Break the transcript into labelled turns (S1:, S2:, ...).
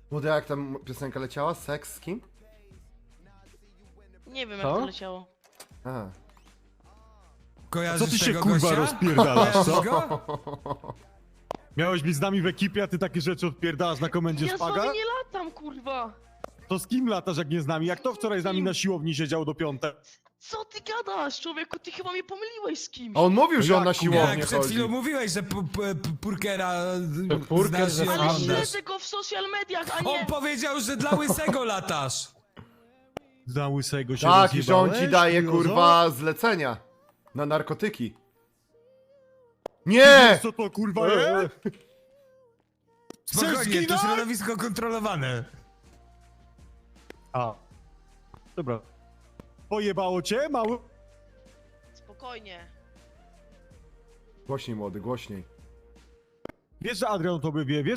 S1: Młody, jak tam piosenka leciała? Seks z kim?
S2: Nie wiem, jak
S3: Co?
S2: to leciało.
S1: Aha.
S4: Kojarzysz
S3: Co ty się
S4: tego
S3: kurwa
S4: gościa?
S3: rozpierdalasz, co?
S4: Kojarzysz go?
S3: Miałeś być z nami w ekipie, a ty takie rzeczy odpierdalasz na komendzie
S2: Ja z
S3: szpaga?
S2: wami nie latam, kurwa!
S3: To z kim latasz, jak nie z nami? Jak to wczoraj z nami na siłowni siedział do piątek?
S2: Co ty gadasz, człowieku? Ty chyba mnie pomyliłeś z kimś.
S1: A on mówił, że on na
S3: Jak, kurwa?
S1: siłownię
S4: Jak przed
S1: chodzi.
S4: chwilą mówiłeś, że Purkera
S5: Purker
S4: znasz
S5: ze
S4: i
S2: Ale
S5: Sanders.
S4: oglądasz.
S2: śledzę go w social mediach, a nie...
S4: On powiedział, że dla łysego latasz.
S3: Za łysego się
S1: Tak, i że on ci
S3: rozjebałeś,
S1: daje,
S3: kuriozo?
S1: kurwa, zlecenia. Na narkotyki.
S3: Ty
S1: Nie!
S3: wiesz, co to kurwa jest?
S4: Spokojnie, to
S3: zginąć?
S4: środowisko kontrolowane.
S3: A. Dobra. Pojebało cię, mały?
S2: Spokojnie.
S1: Głośniej, młody, głośniej.
S3: Wiesz, że Adrian o tobie wie, wiesz,